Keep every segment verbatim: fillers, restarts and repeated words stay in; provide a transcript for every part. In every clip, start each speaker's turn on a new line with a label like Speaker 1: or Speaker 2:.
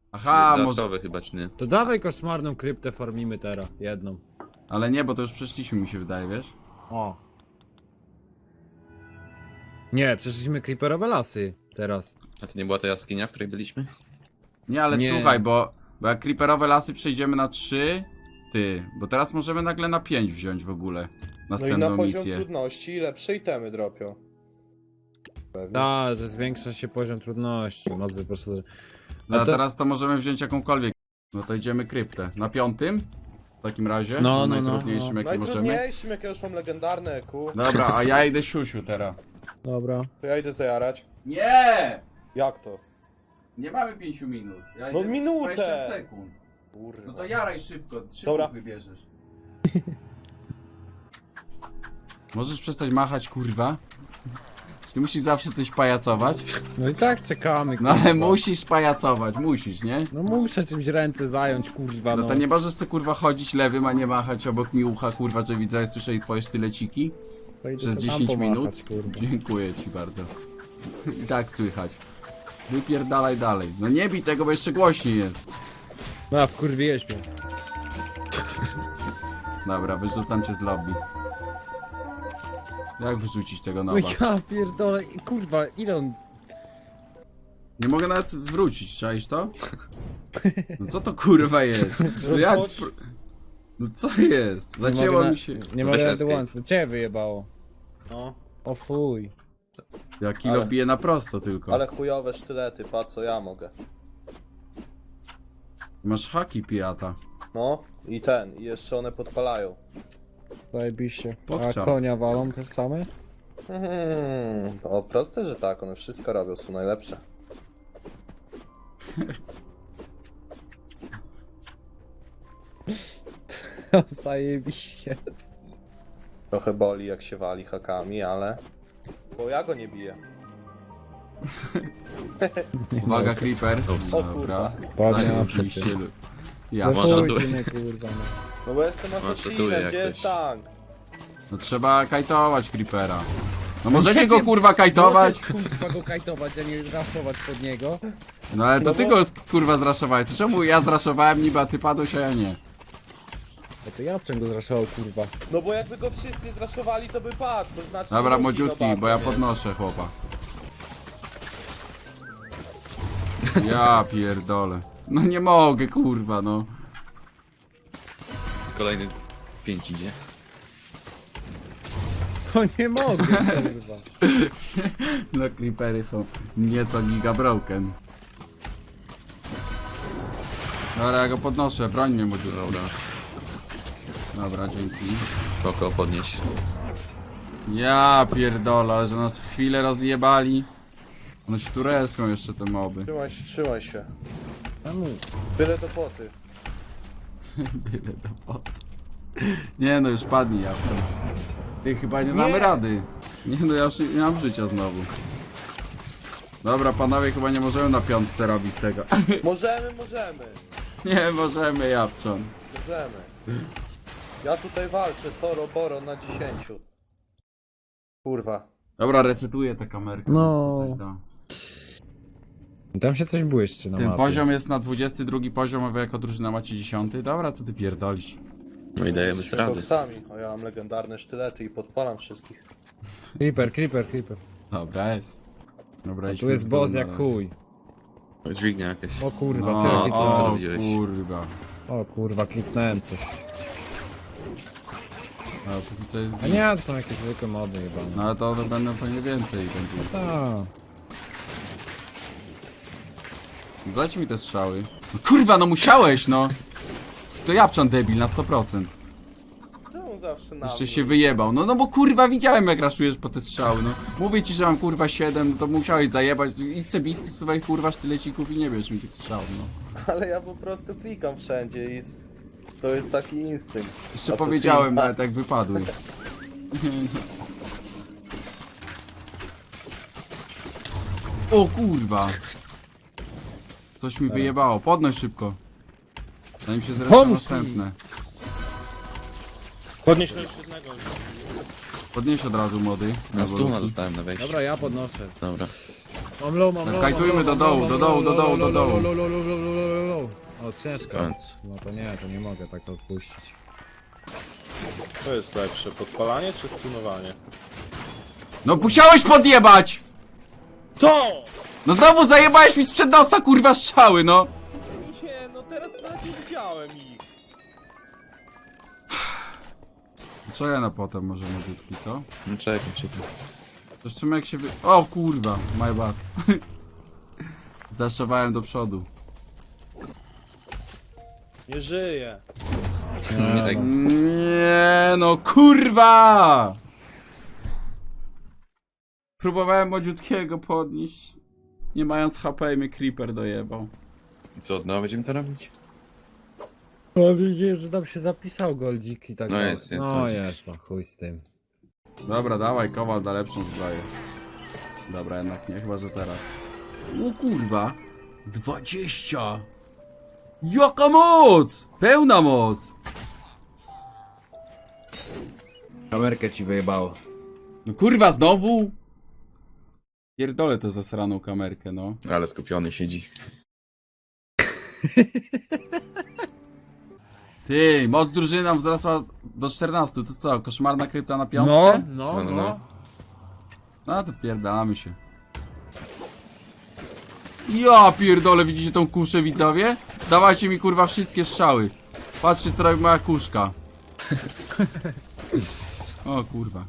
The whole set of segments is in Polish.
Speaker 1: Aha, może...
Speaker 2: Dodatkowe chyba, czy nie?
Speaker 3: To dawaj koszmarną kryptę farmimy teraz, jedną.
Speaker 1: Ale nie, bo to już przeszliśmy, mi się wydaje, wiesz?
Speaker 3: O. Nie, przeszliśmy creeperowe lasy teraz.
Speaker 2: A to nie była ta jaskinia, w której byliśmy?
Speaker 1: Nie, ale
Speaker 3: Nie.
Speaker 1: słuchaj, bo, bo jak creeperowe lasy przejdziemy na trzy, ty, bo teraz możemy nagle na pięć wziąć w ogóle
Speaker 4: No i
Speaker 1: następną
Speaker 4: na poziom
Speaker 1: misję.
Speaker 4: trudności lepsze itemy dropią. Pewnie.
Speaker 3: Tak, że zwiększa się poziom trudności, moc wyposażenia.
Speaker 1: No
Speaker 3: A
Speaker 1: a
Speaker 3: to-
Speaker 1: teraz to możemy wziąć jakąkolwiek. No to idziemy kryptę. Na piątym? W takim razie?
Speaker 3: No,
Speaker 1: Na
Speaker 3: no, no,
Speaker 1: najtrudniejszym
Speaker 3: no.
Speaker 1: jaki możemy.
Speaker 4: Najtrudniejszym, jak ja już mam legendarne E Q,
Speaker 1: Dobra, a ja idę siusiu teraz.
Speaker 3: Dobra.
Speaker 4: to ja idę zajarać.
Speaker 1: Nie!
Speaker 4: Jak to?
Speaker 1: Nie mamy pięciu minut. Ja
Speaker 4: No
Speaker 1: idę
Speaker 4: minutę!
Speaker 1: dwadzieścia sekund.
Speaker 4: Kurwa.
Speaker 1: No to jaraj szybko, szybko
Speaker 4: Dobra.
Speaker 1: wybierzesz. Możesz przestać machać, kurwa? Czy ty musisz zawsze coś pajacować?
Speaker 3: No i tak czekamy,
Speaker 1: No ale
Speaker 3: kurwa.
Speaker 1: musisz pajacować, musisz, nie?
Speaker 3: No muszę czymś ręce zająć, kurwa,
Speaker 1: No
Speaker 3: no.
Speaker 1: to nie możesz sobie kurwa chodzić lewym, a nie machać obok mi ucha, kurwa, że widzę, słyszę twoje sztyleciki
Speaker 3: To idę
Speaker 1: przez
Speaker 3: se tam
Speaker 1: dziesięć minut.
Speaker 3: pomachać, kurwa.
Speaker 1: Dziękuję ci bardzo. I tak słychać. Wypierdalaj dalej. No nie bij tego, bo jeszcze głośniej jest.
Speaker 3: No, wkurwiłeś mnie.
Speaker 1: Dobra, wyrzucam cię z lobby. Jak wyrzucić tego
Speaker 3: No
Speaker 1: nowa?
Speaker 3: ja pierdolę, kurwa, ile on...
Speaker 1: Nie mogę nawet wrócić, czaisz to? No co to kurwa jest? No jak...
Speaker 4: Rozpocz-
Speaker 1: pr- No co jest?
Speaker 3: Nie
Speaker 1: Zacięło
Speaker 3: mogę na-
Speaker 1: mi się.
Speaker 3: Nie
Speaker 2: Weź
Speaker 3: mogę
Speaker 2: escape.
Speaker 3: dołączyć, ciebie wyjebało.
Speaker 4: No.
Speaker 3: O fuj.
Speaker 1: Ja kilo
Speaker 4: Ale-
Speaker 1: bije na prosto tylko.
Speaker 4: Ale chujowe sztylety, pa co ja mogę.
Speaker 1: Masz haki pirata.
Speaker 4: No i ten, i jeszcze one podpalają.
Speaker 3: Zajebiście. A
Speaker 1: Pokczam.
Speaker 3: konia walą te same?
Speaker 4: Hmm, o proste, że tak, one wszystko robią, są najlepsze.
Speaker 3: Zajebiście.
Speaker 4: Trochę boli jak się wali hakami, ale... Bo ja go nie biję.
Speaker 1: Uwaga, creeper.
Speaker 2: Ups.
Speaker 4: O
Speaker 1: Dobra.
Speaker 4: kurwa.
Speaker 3: Ładnie,
Speaker 1: Zajął
Speaker 3: przecież.
Speaker 1: liście. Ja.
Speaker 3: No
Speaker 2: Można
Speaker 3: chuj,
Speaker 2: tu-
Speaker 3: ty mnie, kurwa, no.
Speaker 4: No bo jestem
Speaker 2: tatuję
Speaker 4: asasinem,
Speaker 2: jak
Speaker 4: gdzie jest
Speaker 2: coś.
Speaker 4: tank?
Speaker 1: No trzeba kajtować creepera. No możecie go kurwa kajtować?
Speaker 3: Możesz, kurwa, go kajtować, a nie raszować pod niego.
Speaker 1: No ale to
Speaker 4: No
Speaker 1: ty
Speaker 4: bo-
Speaker 1: go kurwa zraszowałeś. To czemu ja zraszowałem niby, a ty padłeś, a ja nie?
Speaker 3: A to ja go zraszował, kurwa.
Speaker 4: No bo jakby go wszyscy zraszowali, to by padł, to znaczy...
Speaker 1: Dobra,
Speaker 4: nie musi
Speaker 1: młodziutki,
Speaker 4: do
Speaker 1: bo ja
Speaker 4: bazy, nie?
Speaker 1: podnoszę chłopa. Ja pierdolę. No nie mogę, kurwa, no.
Speaker 2: Kolejny pięć idzie.
Speaker 3: To nie mogę, kurwa.
Speaker 1: No creepery są nieco giga broken. Dobra, ja go podnoszę, broń mnie młodziutki.
Speaker 2: Dobra,
Speaker 1: Dobra, dzięki.
Speaker 2: spoko, podnieś.
Speaker 1: Ja pierdolę, ale że nas w chwilę rozjebali. One się tu respią jeszcze te moby.
Speaker 4: Trzymaj się, trzymaj się.
Speaker 3: Czemu?
Speaker 4: Tyle do poty.
Speaker 1: Byle do potu. Nie no, już padnij ja. Ty chyba nie damy
Speaker 4: Nie.
Speaker 1: rady. Nie no, ja już nie, nie mam życia znowu. Dobra, panowie, chyba nie możemy na piątce robić tego.
Speaker 4: Możemy, możemy.
Speaker 1: Nie możemy, Japczon.
Speaker 4: Możemy. Ja tutaj walczę, Soro Boro na dziesięciu. Kurwa.
Speaker 1: Dobra, resetuję tę kamerkę.
Speaker 3: No.
Speaker 1: Coś da.
Speaker 3: Tam się coś błyszczy na
Speaker 1: Ten
Speaker 3: mapie.
Speaker 1: poziom jest na dwudziesty drugi poziom, a wy jako drużyna macie dziesiąty. Dobra, co ty pierdolisz?
Speaker 2: No i dajemy z rady.
Speaker 4: Koksami, a ja mam legendarne sztylety i podpalam wszystkich.
Speaker 3: Creeper, creeper, creeper.
Speaker 1: Dobra, jest. Dobra,
Speaker 3: A
Speaker 1: idźmy
Speaker 3: tu jest
Speaker 1: w dół
Speaker 3: boss
Speaker 1: na
Speaker 3: jak
Speaker 1: razie.
Speaker 3: chuj.
Speaker 2: Dźwignia jakaś.
Speaker 3: O kurwa,
Speaker 1: No,
Speaker 3: co ja
Speaker 2: to
Speaker 3: kliknąłem?
Speaker 1: o
Speaker 2: zrobiłeś?
Speaker 1: kurwa.
Speaker 3: O kurwa, kliknąłem coś.
Speaker 1: No, póki co jest
Speaker 3: A nie, to są jakieś zwykłe mody chyba.
Speaker 1: No ale to, to będą pewnie więcej będzie.
Speaker 3: Tak.
Speaker 1: Dajcie mi te strzały. No kurwa, no musiałeś, no! To Japczan debil na sto procent.
Speaker 4: Czemu zawsze na
Speaker 1: Jeszcze
Speaker 4: mnie?
Speaker 1: się wyjebał. No no bo kurwa widziałem jak raszujesz po te strzały, no. Mówię ci, że mam kurwa siedem, no to musiałeś zajebać. I chcę bić z tych swoich kurwa sztylecików i nie bierz mi tych strzał, no.
Speaker 4: Ale ja po prostu klikam wszędzie i s- to jest taki instynkt.
Speaker 1: Jeszcze
Speaker 4: Asasina.
Speaker 1: powiedziałem nawet jak wypadły. O kurwa! Coś mi wyjebało. Podnoś szybko. Zanim się zresztą
Speaker 3: Pomóż mi.
Speaker 1: następne.
Speaker 4: Podnieś to jeszcze jednego.
Speaker 1: Podnieś od razu mody.
Speaker 2: Na stuna dostałem na wejście.
Speaker 3: Dobra, ja podnoszę.
Speaker 2: Dobra.
Speaker 3: Mam low, mam low,
Speaker 1: Kajtujmy
Speaker 3: mam
Speaker 1: do
Speaker 3: low,
Speaker 1: dołu,
Speaker 3: mam
Speaker 1: do
Speaker 3: low,
Speaker 1: dołu, do
Speaker 3: low,
Speaker 1: dołu,
Speaker 3: low,
Speaker 1: do
Speaker 3: low,
Speaker 1: dołu.
Speaker 3: low, low, low, low, low, low, jest ciężko.
Speaker 2: Koniec.
Speaker 3: No to nie, to nie mogę tak odpuścić.
Speaker 4: Co jest lepsze, podpalanie czy stunowanie?
Speaker 1: No musiałeś podjebać!
Speaker 4: Co?
Speaker 1: No znowu zajebałeś mi sprzed nosa kurwa strzały, no!
Speaker 4: Nie, no teraz nawet nie widziałem ich.
Speaker 1: Co ja na potem może młodziutki, co?
Speaker 2: No czekaj, czekaj.
Speaker 1: To w sumie jak się wy... O kurwa, my bad. Zdaszowałem do przodu.
Speaker 4: Nie żyje.
Speaker 2: Nie, tak.
Speaker 1: Nie no kurwa! Próbowałem młodziutkiego podnieść. Nie mając H P i mnie creeper dojebał.
Speaker 2: I co, od nowa będziemy to robić?
Speaker 3: No widzisz, że tam się zapisał goldzik i tak
Speaker 2: No
Speaker 3: dalej.
Speaker 2: jest, jest
Speaker 3: No
Speaker 2: goldzik.
Speaker 3: jest, no chuj z tym.
Speaker 1: Dobra, dawaj, Kowal da lepszą zbroję. Dobra, jednak nie, chyba że teraz. O kurwa! dwadzieścia! Jaka moc! Pełna moc!
Speaker 3: Kamerkę ci wyjebało.
Speaker 1: No kurwa, znowu? Pierdolę tę zasraną kamerkę, no.
Speaker 2: Ale skupiony siedzi.
Speaker 1: Ty, moc drużyny nam wzrosła do czternastu, to co, koszmarna krypta na
Speaker 3: No,
Speaker 1: piątkę?
Speaker 3: no,
Speaker 2: No, no,
Speaker 3: no.
Speaker 2: no.
Speaker 1: No to pierdalamy się. Ja pierdolę, widzicie tą kuszę, widzowie? Dawajcie mi kurwa wszystkie strzały. Patrzcie co robi moja kuszka. O kurwa.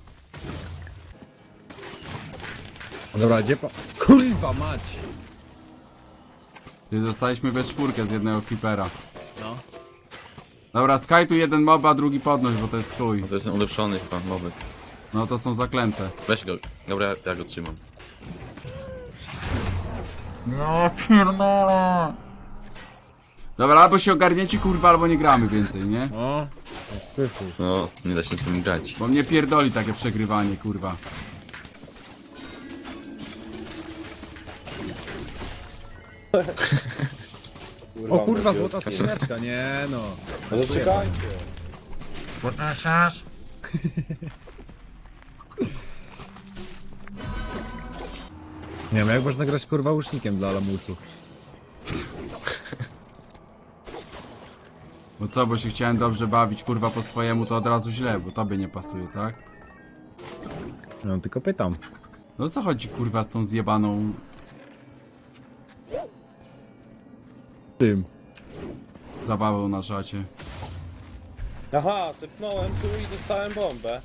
Speaker 3: Dobra, gdzie pa... Kurwa mać!
Speaker 1: Ty zostaliśmy we czwórkę z jednego creepera.
Speaker 3: No.
Speaker 1: Dobra, Sky tu jeden mob, a drugi podnoś, bo to jest chuj.
Speaker 2: No to jest ten ulepszony chyba mobek.
Speaker 1: No to są zaklęte.
Speaker 2: Weź go. Dobra, ja go trzymam.
Speaker 1: No pierdolę. Dobra, albo się ogarniecie kurwa, albo nie gramy więcej, nie?
Speaker 3: O, pyfu.
Speaker 2: No, nie da się z tym grać.
Speaker 1: Bo mnie pierdoli takie przegrywanie, kurwa.
Speaker 3: O kurwa,
Speaker 4: będzie-
Speaker 3: złota skrzyneczka, nie no.
Speaker 4: No to czekajcie.
Speaker 3: Nie wiem, jak można grać kurwa łucznikiem dla lamusów.
Speaker 1: Bo co, bo się chciałem dobrze bawić, kurwa, po swojemu, to od razu źle, bo tobie nie pasuje, tak?
Speaker 3: No tylko pytam.
Speaker 1: No o co chodzi, kurwa, z tą zjebaną
Speaker 3: Tym.
Speaker 1: zabawą na szacie?
Speaker 4: Aha, sypnąłem tu i dostałem bombę.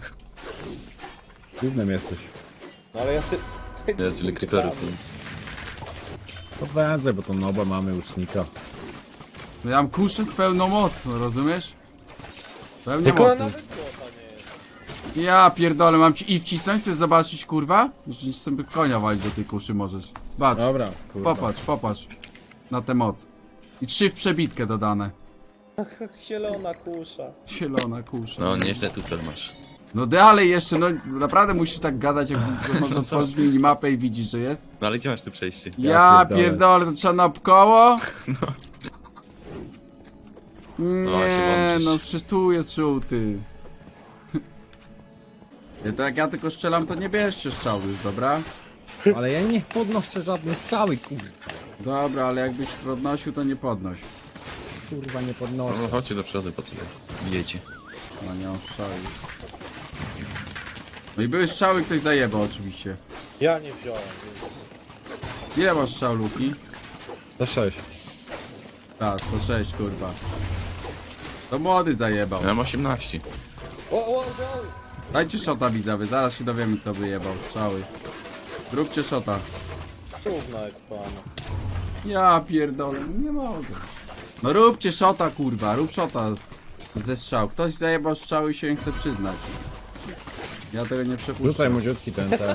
Speaker 3: Głównym jesteś.
Speaker 4: No ale ja ty...
Speaker 2: Jest ile creeperów jest.
Speaker 3: To wędzę, bo to noba mamy łucznika.
Speaker 1: No ja mam kuszę z pełną mocą, rozumiesz? Pełnie
Speaker 4: Tylko
Speaker 1: mocą.
Speaker 4: nawet złota nie jest.
Speaker 1: Ja pierdolę, mam ci i wcisnąć, chcesz zobaczyć, kurwa? Jeszcze sobie konia walić do tej kuszy możesz. Patrz,
Speaker 3: Dobra, kurwa.
Speaker 1: popatrz, popatrz. Na tę moc. I trzy w przebitkę dodane.
Speaker 4: Zielona kusza.
Speaker 1: Zielona kusza.
Speaker 2: No, nieźle tu cel masz.
Speaker 1: No dalej jeszcze, no naprawdę musisz tak gadać, jak można otworzyć minimapę i widzisz, że jest.
Speaker 2: No ale gdzie masz tu przejście?
Speaker 1: Ja,
Speaker 3: Ja
Speaker 1: pierdolę.
Speaker 3: pierdolę.
Speaker 1: to trzeba na koło?
Speaker 2: No, się
Speaker 1: Nie,
Speaker 2: włączysz.
Speaker 1: no przecież tu jest żółty. Ja, tak jak ja tylko strzelam, to nie bierzcie strzału już, dobra?
Speaker 3: Ale ja nie podnoszę żadnej strzały, kurwa.
Speaker 1: Dobra, ale jakbyś podnosił, to nie podnoś.
Speaker 3: Kurwa nie
Speaker 2: No,
Speaker 3: podnoszę.
Speaker 2: chodźcie do przodu, po co wy bijecie?
Speaker 1: No nie mam strzały. No i były strzały, ktoś zajebał oczywiście.
Speaker 4: Ja nie wziąłem, więc...
Speaker 1: Ile masz strzał, Luki?
Speaker 3: To sześć.
Speaker 1: Tak, to sześć, kurwa. To młody zajebał.
Speaker 2: Ja mam osiemnaście.
Speaker 4: O, o, o!
Speaker 1: Dajcie szota widzowie, zaraz się dowiemy, kto wyjebał strzały. Róbcie szota.
Speaker 4: Cudna ekspana.
Speaker 1: Ja pierdolę, nie mogę. No róbcie szota, kurwa, rób szota ze strzał. Ktoś zajebał strzały i się nie chce przyznać. Ja tego nie
Speaker 3: Rzucaj
Speaker 1: przepuszczę.
Speaker 3: młodziutki ten, ten.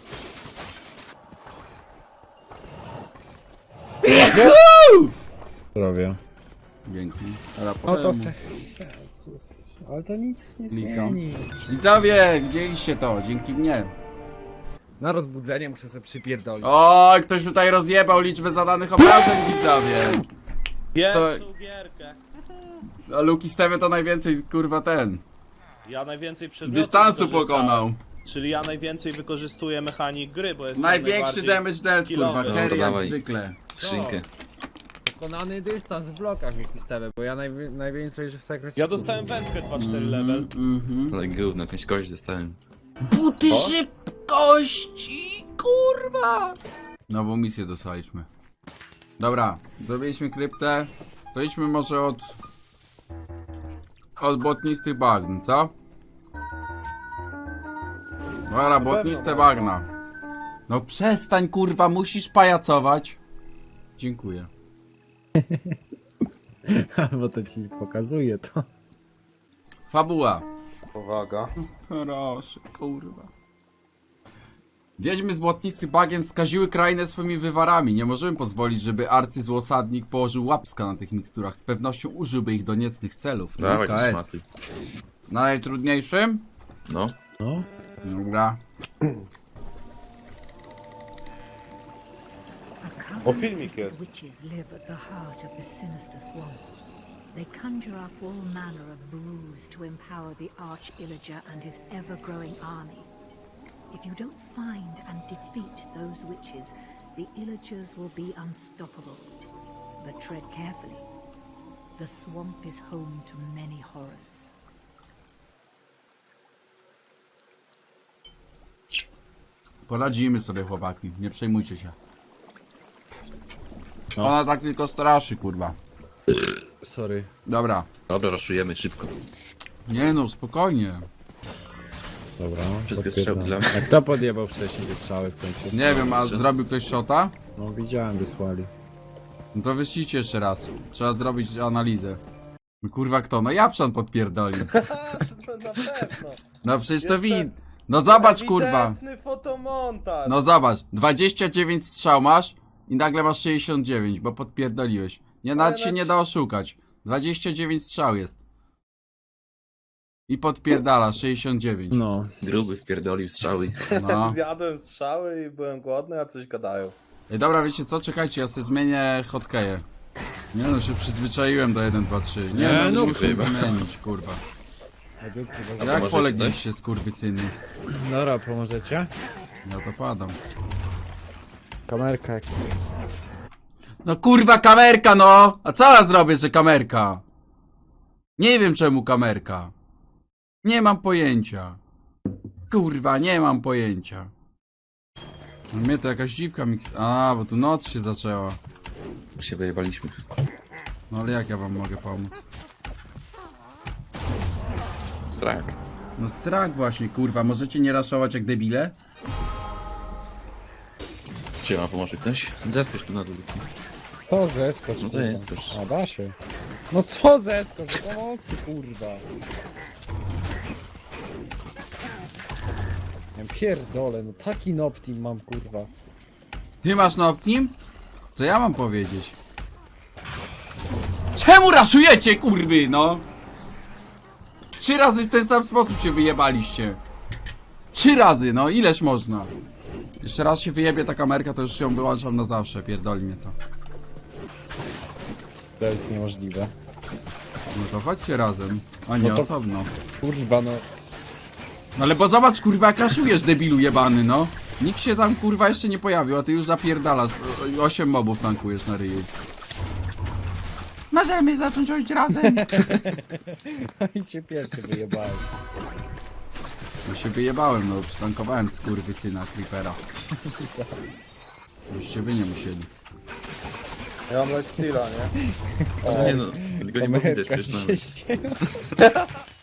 Speaker 3: Zdrowie.
Speaker 1: Dzięki. Ale
Speaker 3: No to
Speaker 1: potem...
Speaker 3: se... Jezus, ale to nic nie
Speaker 1: Klikam.
Speaker 3: zmieni.
Speaker 1: Widzowie, widzieliście to, dzięki mnie.
Speaker 3: Na rozbudzenie muszę sobie przypierdolić.
Speaker 1: Oj, ktoś tutaj rozjebał liczbę zadanych obrażeń, widzowie.
Speaker 4: Pierwszą gierkę.
Speaker 1: A Luki stawia to najwięcej, kurwa, ten.
Speaker 4: Ja najwięcej przedmiotów
Speaker 1: Dystansu
Speaker 4: wykorzystałem.
Speaker 1: pokonał.
Speaker 4: Czyli ja najwięcej wykorzystuję mechanik gry, bo jest
Speaker 1: Największy damage dealt, kurwa,
Speaker 4: skillowy.
Speaker 1: carry
Speaker 2: Dobra,
Speaker 1: jak
Speaker 2: dawaj.
Speaker 1: zwykle.
Speaker 2: Skrzynkę.
Speaker 3: pokonany dystans w blokach mi pistewę, bo ja najwi- najwięcej, że w sekrecie...
Speaker 5: Ja dostałem wędkę dwa cztery level.
Speaker 1: Mhm.
Speaker 2: Ale gówno, jakąś kość dostałem.
Speaker 1: Buty szybkości, kurwa! Nową misję dostaliśmy. Dobra, zrobiliśmy kryptę. To idźmy może od... Od błotnistych bagn, co? Dobra, błotniste bagna. No przestań, kurwa, musisz pajacować. Dziękuję.
Speaker 3: Bo to ci pokazuje to.
Speaker 1: Fabuła.
Speaker 4: Powaga.
Speaker 1: Proszę, kurwa. Wiedźmy z błotnistych bagien skaziły krainę swoimi wywarami. Nie możemy pozwolić, żeby arcyzłosadnik położył łapska na tych miksturach. Z pewnością użyłby ich do niecnych celów.
Speaker 2: Dawaj,
Speaker 1: K
Speaker 2: te
Speaker 1: S.
Speaker 2: szmaty.
Speaker 1: Na najtrudniejszym?
Speaker 2: No.
Speaker 3: No.
Speaker 1: Dobra.
Speaker 4: O, filmik jest.
Speaker 6: Witches live at the heart of the sinister swamp. They conjure up all manner of brews to empower the Arch Illager and his ever-growing army. If you don't find and defeat those witches, the Illagers will be unstoppable. But tread carefully. The swamp is home to many horrors.
Speaker 1: Poradzimy sobie, chłopaki. Nie przejmujcie się. Ona tak tylko straszy, kurwa.
Speaker 3: Sorry.
Speaker 1: Dobra.
Speaker 2: Dobra, raszujemy szybko.
Speaker 1: Nie no, spokojnie.
Speaker 3: Dobra.
Speaker 2: Wszystkie
Speaker 3: potwierdzam.
Speaker 2: strzały dla mnie.
Speaker 3: A kto podjebał wcześniej te strzały w końcu?
Speaker 1: Nie wiem, a
Speaker 2: Dobrze.
Speaker 1: zrobił ktoś shota?
Speaker 3: No widziałem, wysłali.
Speaker 1: No to wyślijcie jeszcze raz. Trzeba zrobić analizę. No kurwa kto? No Japszan podpierdolił.
Speaker 4: No, na pewno.
Speaker 1: No przecież to
Speaker 4: Jeszcze-
Speaker 1: wid... No zobacz kurwa.
Speaker 4: Ewidentny fotomontaż.
Speaker 1: No zobacz. dwadzieścia dziewięć strzał masz i nagle masz sześćdziesiąt dziewięć, bo podpierdoliłeś. Nie, nawet
Speaker 4: Ale
Speaker 1: się
Speaker 4: na
Speaker 1: nie
Speaker 4: trz-
Speaker 1: da oszukać. dwadzieścia dziewięć strzał jest. I podpierdala sześćdziesiąt dziewięć.
Speaker 3: No.
Speaker 2: Gruby wpierdolił strzały.
Speaker 1: No.
Speaker 4: Zjadłem strzały i byłem głodny, a coś gadają.
Speaker 1: Ej, dobra, wiecie co? Czekajcie, ja sobie zmienię hotkeje. Nie no, się przyzwyczaiłem do jeden, dwa, trzy. Nie,
Speaker 3: Nie,
Speaker 1: no,
Speaker 3: no,
Speaker 1: muszę
Speaker 2: chyba.
Speaker 1: zmienić, kurwa.
Speaker 2: A
Speaker 1: Jak
Speaker 2: pomożecie
Speaker 1: polegliście, skurwysyny?
Speaker 3: Dobra, pomożecie?
Speaker 1: Ja to padam.
Speaker 3: Kamerka jak...
Speaker 1: No kurwa, kamerka no! A co ja zrobię, że kamerka? Nie wiem czemu kamerka. Nie mam pojęcia. Kurwa, nie mam pojęcia. No mnie to jakaś dziwka miks... A, bo tu noc się zaczęła.
Speaker 2: Się wyjebaliśmy.
Speaker 1: No ale jak ja wam mogę pomóc?
Speaker 2: Strak.
Speaker 1: No srak właśnie, kurwa. Możecie nie raszować jak debile?
Speaker 2: Siema, pomoże ktoś? Zeskocz tu na dół.
Speaker 3: To zeskocz.
Speaker 2: No
Speaker 3: kurwa.
Speaker 2: zeskocz.
Speaker 3: A da się. No co zeskocz? Pomocy kurwa. Ja pierdolę, no taki noptim mam kurwa.
Speaker 1: Ty masz na Optim? Co ja mam powiedzieć? Czemu raszujecie, kurwy, no? Trzy razy w ten sam sposób się wyjebaliście. Trzy razy, no ileż można? Jeszcze raz się wyjebie ta kamerka, to już ją wyłączam na zawsze, pierdoli mnie to.
Speaker 3: To jest niemożliwe.
Speaker 1: No to chodźcie razem, a nie
Speaker 3: No to-
Speaker 1: osobno.
Speaker 3: Kurwa no.
Speaker 1: No ale bo zobacz, kurwa, jak raszujesz, debilu jebany, no. Nikt się tam, kurwa, jeszcze nie pojawił, a ty już zapierdalasz. O- Osiem mobów tankujesz na ryju. Możemy zacząć chodzić razem.
Speaker 3: I się pierwszy wyjebałeś.
Speaker 1: No się wyjebałem, no, przytankowałem skurwysyna Creepera. Byście wy nie musieli.
Speaker 4: Ja mam lifesteala, nie?
Speaker 2: No nie no, tylko nie było widać
Speaker 3: Kamerka
Speaker 2: przecież
Speaker 3: się
Speaker 2: nawet.
Speaker 3: ścięła.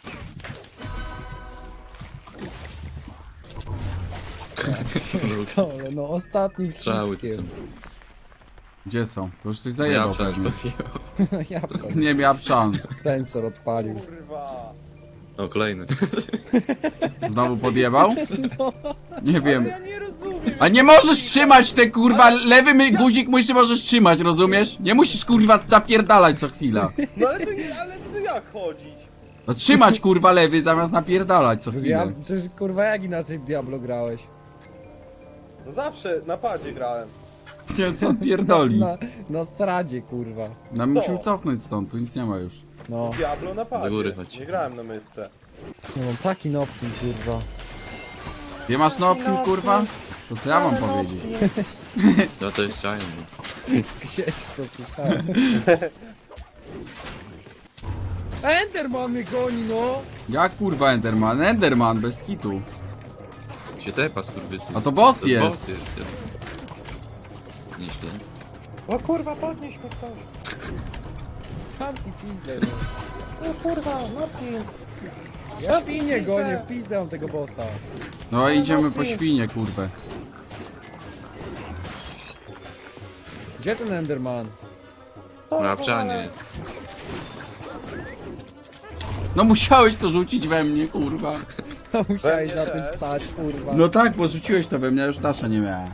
Speaker 3: Pierdolę, no ostatni
Speaker 2: Strzały to są.
Speaker 1: Gdzie są? To już coś zajebał
Speaker 2: Ja
Speaker 1: pewnie.
Speaker 3: No ja to
Speaker 1: Nie miał pszan.
Speaker 3: tensor odpalił.
Speaker 4: Kurwa.
Speaker 2: O, kolejny.
Speaker 1: Znowu podjebał? Nie wiem.
Speaker 4: Ale ja nie rozumiem.
Speaker 1: A nie możesz trzymać te kurwa, lewy my guzik musisz możesz trzymać, rozumiesz? Nie musisz kurwa napierdalać co chwila.
Speaker 4: No ale to, nie- ale to jak chodzić?
Speaker 1: No trzymać kurwa lewy zamiast napierdalać co
Speaker 3: Ja,
Speaker 1: chwilę.
Speaker 3: przecież kurwa jak inaczej w Diablo grałeś?
Speaker 4: No zawsze na padzie grałem.
Speaker 1: Nie, co on pierdoli?
Speaker 3: Na, na sradzie kurwa.
Speaker 1: No musimy cofnąć stąd, tu nic nie ma już.
Speaker 3: No,
Speaker 4: Diablo na padzie.
Speaker 2: Do góry chodź.
Speaker 4: Nie grałem na mysce.
Speaker 3: no mam taki noptim kurwa.
Speaker 1: Nie masz noptim kurwa? To co ja mam powiedzieć?
Speaker 2: No to jest giant.
Speaker 3: Gdzieś to słyszałem. Enderman mnie goni, no!
Speaker 1: Jak kurwa Enderman? Enderman, bez kitu.
Speaker 2: Się tepa, skurwysy.
Speaker 1: A to boss
Speaker 2: To
Speaker 1: jest.
Speaker 2: boss jest. Nieźle.
Speaker 4: O kurwa, podnieś mnie ktoś.
Speaker 3: Sam i pizdę, no.
Speaker 4: O kurwa, Martin.
Speaker 3: Ja świnie gonię, w pizdę mam tego bossa.
Speaker 1: No idziemy po świnie, kurwę.
Speaker 3: Gdzie ten Enderman?
Speaker 2: No a pszanie jest.
Speaker 1: No musiałeś to rzucić we mnie, kurwa.
Speaker 3: No musiałeś
Speaker 4: Pewnie
Speaker 3: na tym
Speaker 4: też.
Speaker 3: stać, kurwa.
Speaker 1: No tak, bo rzuciłeś to we mnie, a już tasza nie miała.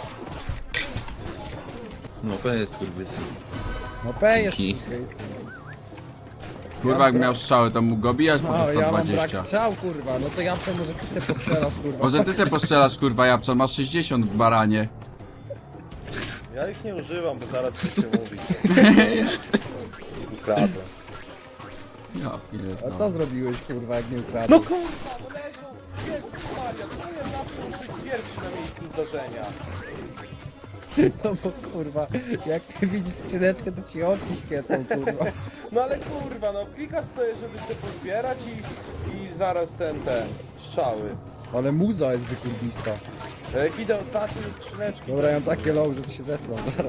Speaker 2: No P jest skurwysy.
Speaker 3: No P jest.
Speaker 2: Ki.
Speaker 1: Kurwa, jak miał strzały, to mógł go bijać po
Speaker 3: No,
Speaker 1: sto
Speaker 3: ja mam brak
Speaker 1: dwadzieścia.
Speaker 3: strzał, kurwa. No to ja co, może ty se postrzelasz, kurwa.
Speaker 1: Może ty se postrzelasz, kurwa, Japczan, masz sześćdziesiąt w baranie.
Speaker 4: Ja ich nie używam, bo zaraz coś się mówi. Ukradłem.
Speaker 1: Ja
Speaker 3: A
Speaker 1: pierdolę.
Speaker 3: co zrobiłeś, kurwa, jak nie
Speaker 4: No
Speaker 3: ukradłeś?
Speaker 4: kurwa, no Lego! Jezus Maria, to ja zawsze muszę być pierwszy na miejscu zdarzenia.
Speaker 3: No bo kurwa, jak ty widzisz skrzyneczkę, to ci oczy świecą, kurwa.
Speaker 4: No ale kurwa, no klikasz sobie, żeby sobie pozbierać i, i zaraz ten, ten, strzały.
Speaker 3: Ale muza jest wykurwista.
Speaker 4: To jak idę ostatnio do skrzyneczki,
Speaker 3: Dobra, ja mam takie low, że to się zesną zaraz.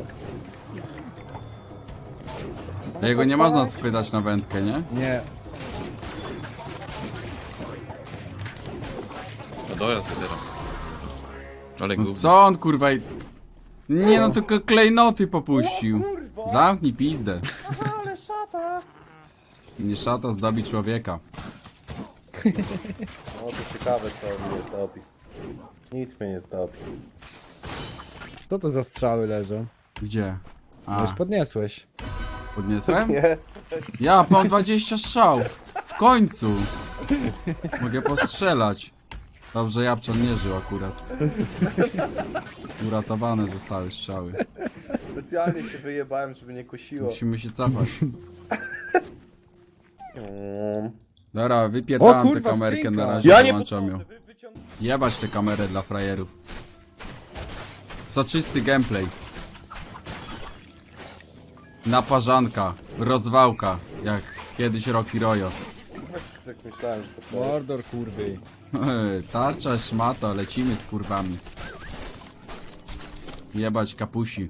Speaker 1: Jego nie można schwytać na wędkę, nie?
Speaker 3: Nie.
Speaker 2: No dojazd dopiero. Ale
Speaker 1: No
Speaker 2: gówno.
Speaker 1: co on, kurwa, i... Nie no, tylko klejnoty popuścił.
Speaker 4: kurwa!
Speaker 1: Zamknij pizdę.
Speaker 4: Aha, ale szata!
Speaker 1: Nie szata zdobi człowieka.
Speaker 4: No to ciekawe co mnie zdobi. Nic mnie nie zdobi.
Speaker 3: Co to za strzały leżą?
Speaker 1: Gdzie?
Speaker 3: No
Speaker 1: A,
Speaker 3: już podniesłeś.
Speaker 1: podniosłem?
Speaker 4: Nie,
Speaker 1: Ja mam dwadzieścia strzał. W końcu. Mogę postrzelać. Dobrze, Japczan nie żył akurat. Uratowane zostały strzały.
Speaker 4: specjalnie się wyjebałem, żeby nie kusiło.
Speaker 1: Musimy się cofać.
Speaker 4: Mm.
Speaker 1: Dobra,
Speaker 3: O
Speaker 1: wypierdalam tę
Speaker 3: kurwa,
Speaker 1: kamerkę
Speaker 3: skrzynka.
Speaker 1: na razie,
Speaker 4: Ja nie
Speaker 1: wyłączam ją.
Speaker 4: podchodzę, wy wyciąg...
Speaker 1: Jebać tę kamerę dla frajerów. Soczysty gameplay. Naparzanka, rozwałka, jak kiedyś Rocky Royo.
Speaker 4: Jak myślałem, że to
Speaker 3: Mordor, kurwy.
Speaker 1: Tarcza, szmata, lecimy z kurwami. Jebać kapusi.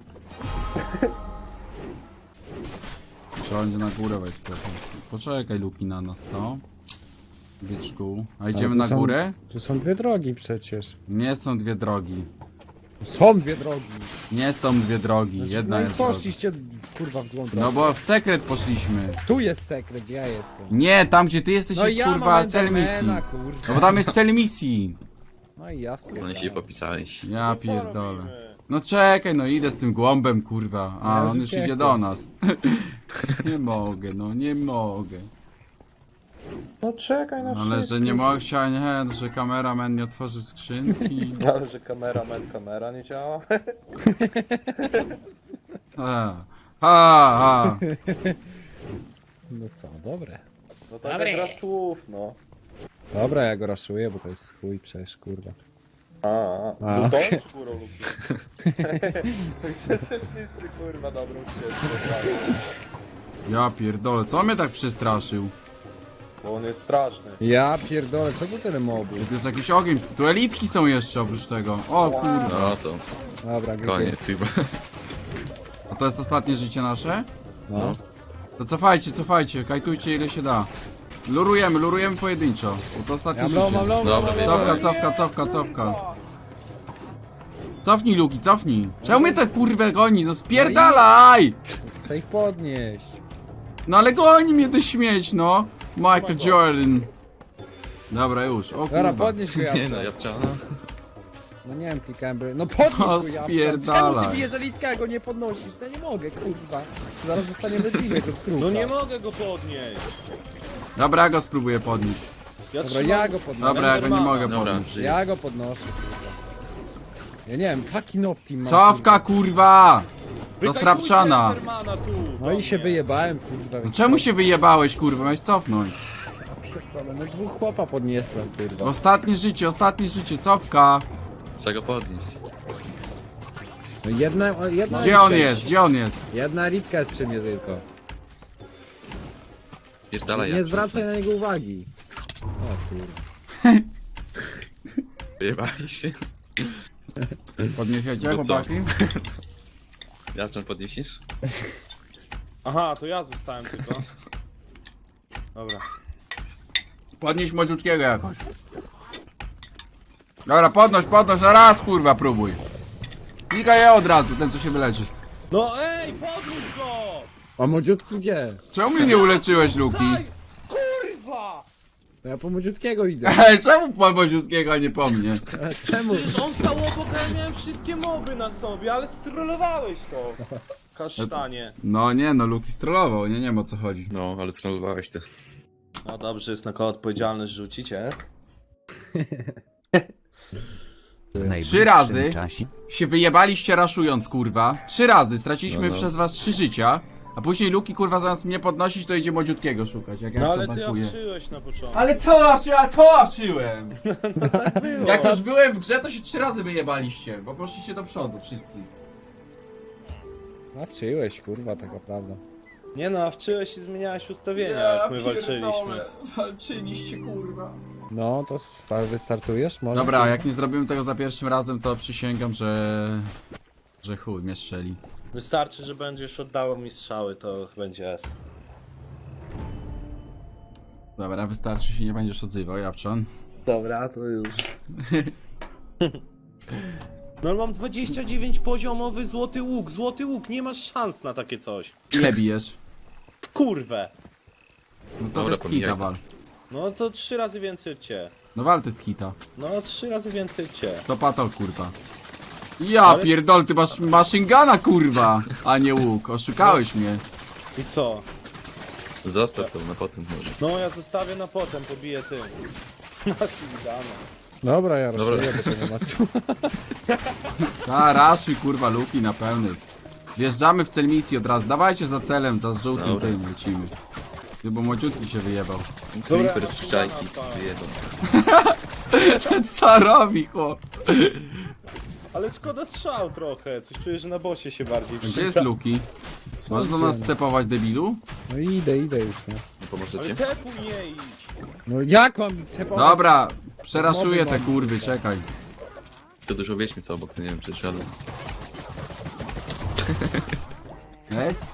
Speaker 1: Trzeba będzie na górę wejść. Poczekaj, Luki, na nas, co? Byczku. A idziemy
Speaker 3: Ale
Speaker 1: na
Speaker 3: to są-
Speaker 1: górę?
Speaker 3: Tu są dwie drogi przecież.
Speaker 1: Nie są dwie drogi.
Speaker 3: Są dwie drogi.
Speaker 1: Nie są dwie drogi. Jedna
Speaker 3: no i
Speaker 1: jest droga.
Speaker 3: poszliście kurwa w złą drogę.
Speaker 1: No bo w sekret poszliśmy.
Speaker 3: Tu jest sekret, gdzie ja jestem.
Speaker 1: Nie, tam gdzie ty jesteś
Speaker 3: No
Speaker 1: jest
Speaker 3: ja
Speaker 1: kurwa
Speaker 3: mam
Speaker 1: cel misji.
Speaker 3: Endermana,
Speaker 1: No
Speaker 3: kurwa.
Speaker 1: bo tam jest cel misji.
Speaker 3: No i ja
Speaker 2: No
Speaker 3: spierdolę.
Speaker 2: i się popisałeś.
Speaker 1: Ja
Speaker 4: co
Speaker 1: pierdolę.
Speaker 4: robimy?
Speaker 1: No czekaj, no idę z tym głąbem, kurwa. A
Speaker 3: Ja już
Speaker 1: on już idzie
Speaker 3: uciekłem.
Speaker 1: do nas. Nie mogę, no nie mogę.
Speaker 4: No czekaj na
Speaker 1: Ale że
Speaker 4: wszystkich.
Speaker 1: nie mogę, chciałem, nie, że kameraman nie otworzył skrzynki.
Speaker 4: Ale że kamera, men, kamera nie działa?
Speaker 1: Ha, ha, ha.
Speaker 3: No co, dobre.
Speaker 4: No taka gra słów, no.
Speaker 3: Dobra, ja go raszuję, bo to jest chuj przecież, kurwa.
Speaker 4: A, a.
Speaker 3: A.
Speaker 4: No bądź kurą lub Myślę, że wszyscy kurwa dobrą ścieżkę.
Speaker 1: Ja pierdolę, co mnie tak przestraszył?
Speaker 4: Bo on jest straszny.
Speaker 3: Ja pierdolę, co tu tyle mobów?
Speaker 1: To jest jakiś ogień, tu elitki są jeszcze oprócz tego. O kurwa.
Speaker 2: No to
Speaker 3: Dobra, gry.
Speaker 2: koniec chyba.
Speaker 1: A to jest ostatnie życie nasze?
Speaker 3: No.
Speaker 1: To cofajcie, cofajcie, kajtujcie ile się da. Lurujemy, lurujemy pojedynczo. Bo to ostatnie
Speaker 3: Ja mam
Speaker 1: życie.
Speaker 3: low, mam low,
Speaker 2: Dobra,
Speaker 3: mam low.
Speaker 1: Cofka, cofka, cofka, cofka. Cofnij, Luki, cofnij. Czemu mnie tak kurwę goni? No spierdalaj!
Speaker 3: Chcę ich podnieść.
Speaker 1: No ale goni mnie to śmieć, no. Michael Jordan. Dobra, już. O
Speaker 3: Dobra,
Speaker 1: kurwa.
Speaker 3: podnieś go,
Speaker 2: Nie
Speaker 3: Japczan.
Speaker 2: no, Japczana.
Speaker 3: No nie wiem, klikałem by... No podnieś
Speaker 1: O,
Speaker 3: go, Japczan.
Speaker 1: spierdalaj.
Speaker 3: Czemu ty bijesz elitka, a go nie podnosisz? No nie mogę, kurwa. Zaraz dostaniemy damage od kruka.
Speaker 5: No nie mogę go podnieść.
Speaker 1: Dobra, ja go spróbuję podnieść.
Speaker 5: Ja
Speaker 3: Dobra,
Speaker 5: trzymam...
Speaker 3: ja go podnoszę.
Speaker 1: Dobra, ja go nie mogę
Speaker 2: Dobra,
Speaker 1: podnieść.
Speaker 2: żyję.
Speaker 3: Ja go podnoszę, kurwa. Ja nie wiem, fucking optim mam,
Speaker 1: Cofka, kurwa! Do
Speaker 5: Wykajkujcie
Speaker 1: strapczana.
Speaker 5: Endermana tu,
Speaker 3: No i
Speaker 5: do
Speaker 3: się
Speaker 5: mnie.
Speaker 3: wyjebałem, kurwa.
Speaker 1: No czemu się wyjebałeś, kurwa? Miałeś cofnąć.
Speaker 3: No dwóch chłopa podniosłem, kurwa.
Speaker 1: Ostatnie życie, ostatnie życie, cofka.
Speaker 2: Trzeba go podnieść.
Speaker 3: No jedna, o, jedna
Speaker 1: Gdzie on jest? Gdzie on jest?
Speaker 3: Jedna ritka jest przy mnie tylko.
Speaker 2: Pierdalaj,
Speaker 3: Nie
Speaker 2: jak
Speaker 3: zwracaj na niego uwagi. O kurwa.
Speaker 2: Wyjebali się.
Speaker 1: Podniesiecie,
Speaker 2: To co?
Speaker 1: chłopaki?
Speaker 2: Jak czym podniesiesz?
Speaker 4: Aha, to ja zostałem tylko. Dobra.
Speaker 1: Podnieś młodziutkiego jakoś. Dobra, podnoś, podnoś, na raz kurwa próbuj. Klikaj je od razu, ten co się wyleczy.
Speaker 4: No ej, podróż go!
Speaker 3: A młodziutki gdzie?
Speaker 1: Czemu mnie nie uleczyłeś, Luki?
Speaker 4: Daj! Kurwa!
Speaker 3: To ja po młodziutkiego idę.
Speaker 1: Ej, czemu po młodziutkiego, a nie po mnie?
Speaker 3: A czemu?
Speaker 4: Przecież on stał obok, a ja miałem wszystkie moby na sobie, ale strollowałeś to. Kasztanie.
Speaker 1: No nie, no Luki strollował, nie, nie wiem o co chodzi.
Speaker 2: No, ale strollowałeś ty.
Speaker 4: No dobrze, jest na koło odpowiedzialność rzucić, jest?
Speaker 1: Trzy razy się wyjebaliście raszując, kurwa. Trzy razy, straciliśmy
Speaker 2: No, no.
Speaker 1: przez was trzy życia. A później Luki, kurwa, zamiast mnie podnosić, to idzie młodziutkiego szukać, jak ja
Speaker 4: No
Speaker 1: to
Speaker 4: ale ty
Speaker 1: bankuję.
Speaker 4: owczyłeś na początku.
Speaker 1: Ale to awczy, a to awczyłem!
Speaker 4: Było.
Speaker 1: Jak już byłem w grze, to się trzy razy wyjebaliście, bo poszliście do przodu wszyscy.
Speaker 3: Nawczyłeś kurwa, taka prawda.
Speaker 4: Nie no, owczyłeś i zmieniałeś ustawienia, jak my walczyliśmy.
Speaker 1: Walczyliście, kurwa.
Speaker 3: No to sta- wystartujesz? Może?
Speaker 1: Dobra, jak nie zrobimy tego za pierwszym razem, to przysięgam, że... że chuj mnie strzeli.
Speaker 4: Wystarczy, że będziesz oddawał mi strzały, to będzie S.
Speaker 1: Dobra, wystarczy się nie będziesz odzywał, Japczan.
Speaker 4: Dobra, to już. No ale mam dwadzieścia dziewięć poziomowy złoty łuk, złoty łuk, nie masz szans na takie coś.
Speaker 1: Ile bijesz?
Speaker 4: W kurwę!
Speaker 1: No to
Speaker 2: Dobra,
Speaker 1: jest
Speaker 2: pomijaj
Speaker 1: hita,
Speaker 2: to.
Speaker 1: wal.
Speaker 4: No to trzy razy więcej od cię.
Speaker 1: No wal, to jest hita.
Speaker 4: No trzy razy więcej od cię.
Speaker 1: To pato, kurwa. Ja
Speaker 4: Ale-
Speaker 1: pierdol, ty masz machine guna, kurwa, a nie łuk. Oszukałeś mnie.
Speaker 4: I co?
Speaker 2: Zostaw to na potem może.
Speaker 4: No ja zostawię na potem, pobiję tym. Masz dane.
Speaker 3: Dobra, ja
Speaker 2: Dobra.
Speaker 3: rozumiem, bo to nie ma co.
Speaker 1: Ta, raszuj, kurwa, Luki na pełny. Wjeżdżamy w cel misji od razu. Dawajcie za celem, za żółtym
Speaker 2: Dobra.
Speaker 1: tym lecimy. Ty, bo młodziutki się wyjebał.
Speaker 2: Creeper
Speaker 4: ja
Speaker 2: z
Speaker 4: mam
Speaker 2: przyczajki.
Speaker 4: szukana,
Speaker 2: Wyjebał.
Speaker 1: Ten co robi, chłop.
Speaker 4: Ale szkoda strzał trochę, coś czuję, że na bosie się bardziej
Speaker 1: Gdzie jest Luki? Masz do nas stepować, debilu?
Speaker 3: No idę, idę już, no.
Speaker 2: Nie pomożecie?
Speaker 4: Ale tepu nie idź!
Speaker 3: No jak mam te po...
Speaker 1: Dobra, przeraszuję
Speaker 3: Mowy
Speaker 1: te
Speaker 3: mam.
Speaker 1: kurwy, czekaj.
Speaker 2: To dużo wieźmy co obok, to nie wiem czy szedł.
Speaker 1: Jest?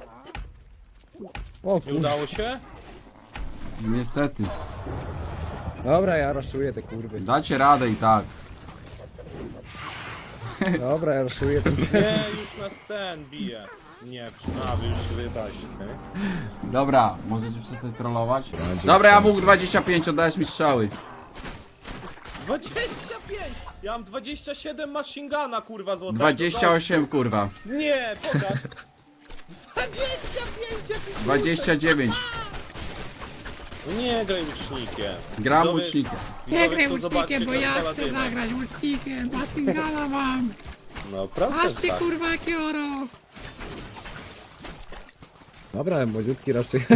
Speaker 3: O
Speaker 4: Nie
Speaker 3: kurwa.
Speaker 4: udało się?
Speaker 1: Niestety.
Speaker 3: Dobra, ja raszuję te kurwy.
Speaker 1: Dacie radę i tak.
Speaker 3: Dobra, ja raszuję ten cel.
Speaker 4: Nie, już nas ten bije. Nie, a wy już się wyjebaliście, okej?
Speaker 1: Dobra, możecie przestać trollować? Dobra, ja mógł dwadzieścia pięć, oddajesz mi strzały.
Speaker 4: dwadzieścia pięć! Ja mam dwadzieścia siedem machine guna, kurwa złotego.
Speaker 1: dwadzieścia osiem, kurwa.
Speaker 4: Nie, pokaż! dwadzieścia pięć! jaki-
Speaker 1: dwadzieścia dziewięć.
Speaker 4: No nie graj łucznikiem.
Speaker 1: Gram
Speaker 4: Widzowie-
Speaker 1: łucznikiem.
Speaker 4: widzowie
Speaker 7: Nie graj
Speaker 4: chcą zobaczyć,
Speaker 7: łucznikiem, bo
Speaker 4: jak
Speaker 7: ja chcę
Speaker 4: paladyna.
Speaker 7: zagrać łucznikiem. Masingala mam.
Speaker 4: No, proste
Speaker 7: Patrzcie
Speaker 4: tak.
Speaker 7: kurwa jakie oro.
Speaker 3: Dobra, młodziutki raszuję.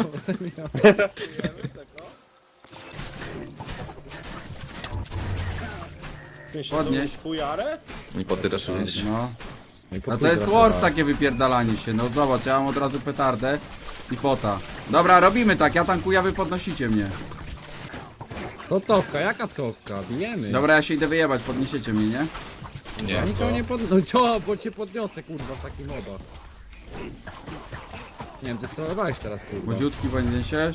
Speaker 4: Ty się
Speaker 1: Podnieś.
Speaker 4: tą fujarę?
Speaker 2: I po co raszujesz?
Speaker 1: No.
Speaker 3: No i po
Speaker 1: A to
Speaker 3: chuj
Speaker 1: jest
Speaker 3: rasowałem.
Speaker 1: Worf takie wypierdalanie się, no zobacz, ja mam od razu petardę i pota. Dobra, robimy tak, ja tankuję, a wy podnosicie mnie.
Speaker 3: To cofka, jaka cofka? Bijemy.
Speaker 1: Dobra, ja się idę wyjebać, podniesiecie mnie, nie?
Speaker 2: Nie,
Speaker 3: Ja nikogo nie pod... No co, bo cię podniosę kurwa w takich modach. Nie wiem, ty sterowałeś teraz kurwa.
Speaker 1: Młodziutki podniesiesz?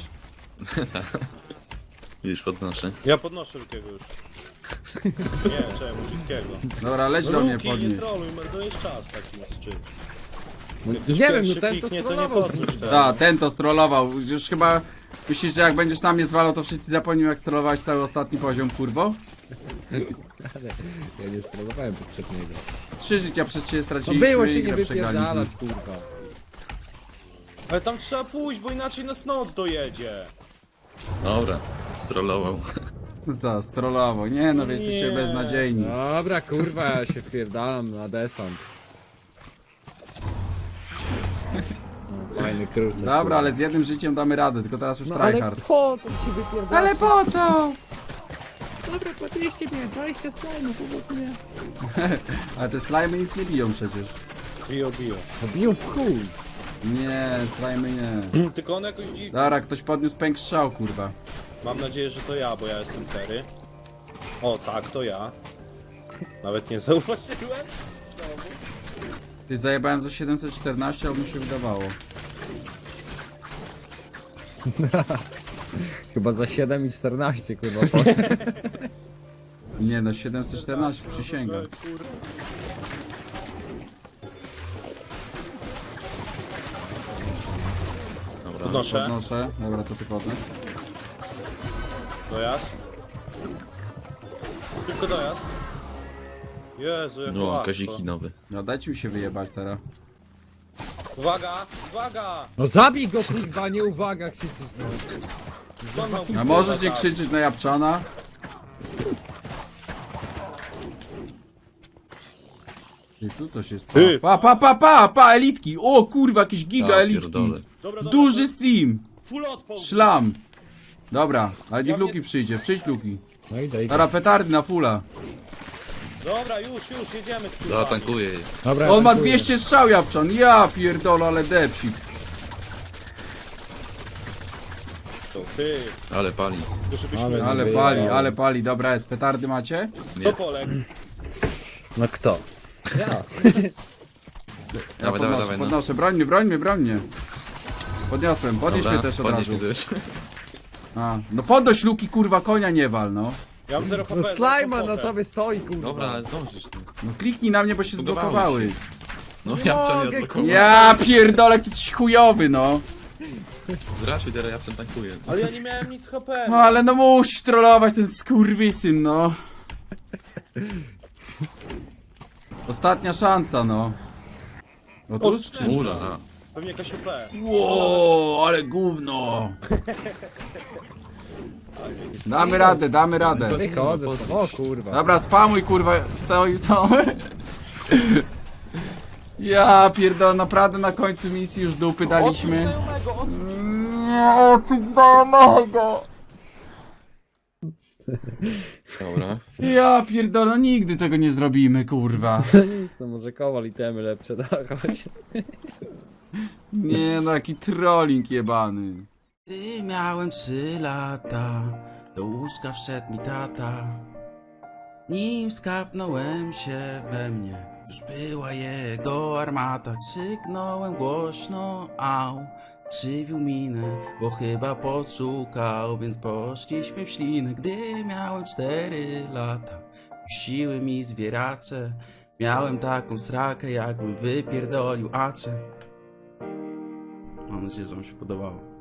Speaker 2: już podnoszę.
Speaker 4: Ja podnoszę Lukiego już. Nie, czemu Lukiego?
Speaker 1: Dobra, leć
Speaker 4: No
Speaker 1: do mnie
Speaker 4: Luki, nie
Speaker 1: podnieś.
Speaker 4: troluj, marnujesz czas takim z czymś.
Speaker 3: No,
Speaker 4: Jak
Speaker 3: nie
Speaker 4: ktoś
Speaker 3: wiem, no
Speaker 4: pierwszy
Speaker 3: ten to
Speaker 4: kliknie, to nie
Speaker 3: strollował.
Speaker 4: podnieś tego.
Speaker 1: Da, ten to strollował. Już chyba myślisz, że jak będziesz na mnie zwalał, to wszyscy zapomnią jak strollowałeś cały ostatni poziom, kurwo?
Speaker 3: Ja nie sterowałem poprzedniego.
Speaker 1: Trzy życia przez ciebie
Speaker 3: No
Speaker 1: straciliśmy
Speaker 3: było
Speaker 1: i
Speaker 3: się nie
Speaker 1: grę przegraliśmy.
Speaker 3: wypierdalać kurwa.
Speaker 4: Ale tam trzeba pójść, bo inaczej nas noc dojedzie.
Speaker 2: Dobra, strollował.
Speaker 1: Co, strollował. Nie no, wy jesteście
Speaker 4: Nie.
Speaker 1: beznadziejni.
Speaker 3: Dobra kurwa, ja się wpierdalam na desant. No, fajny cruiser.
Speaker 1: Dobra, ale z jednym życiem damy radę, tylko teraz już
Speaker 3: No ale
Speaker 1: tryhard.
Speaker 3: po co ty się wypierdalasz?
Speaker 1: Ale po co?
Speaker 7: Dobra, podnieście mnie, dwadzieścia slajmów obok mnie.
Speaker 1: Ale te slajmy nic nie biją przecież.
Speaker 4: Bio, bio.
Speaker 3: No biją w chuj.
Speaker 1: Nie, slajmy nie.
Speaker 4: Tylko on jakoś dziwnie.
Speaker 1: Dobra, ktoś podniósł pęk strzał, kurwa.
Speaker 4: Mam nadzieję, że to ja, bo ja jestem Terry. O, tak, to ja. Nawet nie zauważyłem.
Speaker 1: Ty zajebałem za siedemset czternaście, albo mi się wydawało.
Speaker 3: Chyba za siedem i czternaście, kurwa.
Speaker 1: Nie no, siedemset czternaście, przysięgam.
Speaker 2: Dobra.
Speaker 4: Podnoszę.
Speaker 1: Podnoszę, dobra, to ty podnoś.
Speaker 4: Dojazd. Tylko dojazd. Jezu, jak
Speaker 2: No,
Speaker 4: łatwo.
Speaker 2: kaziki nowe.
Speaker 1: No dajcie mi się wyjebać teraz.
Speaker 4: Uwaga, uwaga!
Speaker 3: No zabij go, kurwa, nie uwaga, krzyczysz, no.
Speaker 4: Skąd miał być
Speaker 1: A możesz nie
Speaker 4: atak?
Speaker 1: krzyczeć na Japczana? Ty, tu coś jest.
Speaker 4: Ty.
Speaker 1: Pa, pa, pa, pa, pa, elitki! O kurwa, jakieś giga
Speaker 2: Ja
Speaker 1: elitki!
Speaker 2: pierdolę.
Speaker 4: Dobra, dobra,
Speaker 1: Duży slim!
Speaker 4: full odpoł.
Speaker 1: Szlam! Dobra, ale niech
Speaker 4: Ja
Speaker 1: Luki
Speaker 4: mnie-
Speaker 1: przyjdzie, przyjdź Luki.
Speaker 3: No idę, idę.
Speaker 1: Dobra, petardy na fulla.
Speaker 4: Dobra, już, już, jedziemy z
Speaker 2: Zatankuję je.
Speaker 3: Dobra,
Speaker 1: On ma
Speaker 3: dziękuję.
Speaker 1: dwieście strzał, Japczan. Ja pierdolę, ale depsik.
Speaker 4: To ty,
Speaker 2: Ale pali.
Speaker 4: to żebyśmy...
Speaker 3: Ale-
Speaker 1: Ale pali, ale pali. Dobra, jest, petardy macie?
Speaker 4: To Polek.
Speaker 3: No kto? Ja.
Speaker 1: Ja
Speaker 2: Dawaj,
Speaker 1: podnoszę,
Speaker 2: dawaj, dawaj, no.
Speaker 1: podnoszę. Broń mnie, broń mnie, broń mnie. Podniosłem, podnieś
Speaker 2: Dobra,
Speaker 1: mnie też od
Speaker 2: podnieś
Speaker 1: razu.
Speaker 2: mnie też.
Speaker 1: A, no podnoś Luki, kurwa, konia nie wal, no.
Speaker 4: Ja mam zero H P.
Speaker 3: No
Speaker 4: zero
Speaker 3: slajma na
Speaker 4: komfort.
Speaker 3: tobie stoi, kurwa.
Speaker 2: Dobra, ale zdążysz. No,
Speaker 1: No kliknij na mnie, bo się
Speaker 2: Zbugowałeś
Speaker 1: zblokowały.
Speaker 2: się. no ja
Speaker 3: mogę,
Speaker 2: nie odblokowałem.
Speaker 1: Ja pierdolę, ty jesteś chujowy, no.
Speaker 2: Zraszuj, teraz ja tankuję.
Speaker 4: Ale ja nie miałem nic H P.
Speaker 1: No ale no musi trollować ten skurwysyn, no. Ostatnia szansa, no. Otóż czy...
Speaker 2: Ula, no.
Speaker 4: Pewnie jakaś O P.
Speaker 1: Ło, ale gówno. Damy radę, damy radę.
Speaker 3: Wychodzę, stąd. O kurwa.
Speaker 1: Dobra, spamuj, kurwa, stoi, stoi. Ja pierdolę, naprawdę na końcu misji już dupy daliśmy. Nie, odsuć znajomego.
Speaker 2: Dobra.
Speaker 1: Ja pierdolę, no nigdy tego nie zrobimy, kurwa.
Speaker 3: To nic, no może kowal i temy lepsze, da, chodź.
Speaker 1: Nie no, jaki trolling jebany. Gdy miałem trzy lata, do łóżka wszedł mi tata. Nim skapnąłem się we mnie, już była jego armata. Krzyknąłem głośno, au, krzywił minę, bo chyba poszukał, więc poszliśmy w ślinę. Gdy miałem cztery lata, siły mi zwieracze. Miałem taką srakę, jakbym wypierdolił acze. Mam nadzieję, że wam się podobało.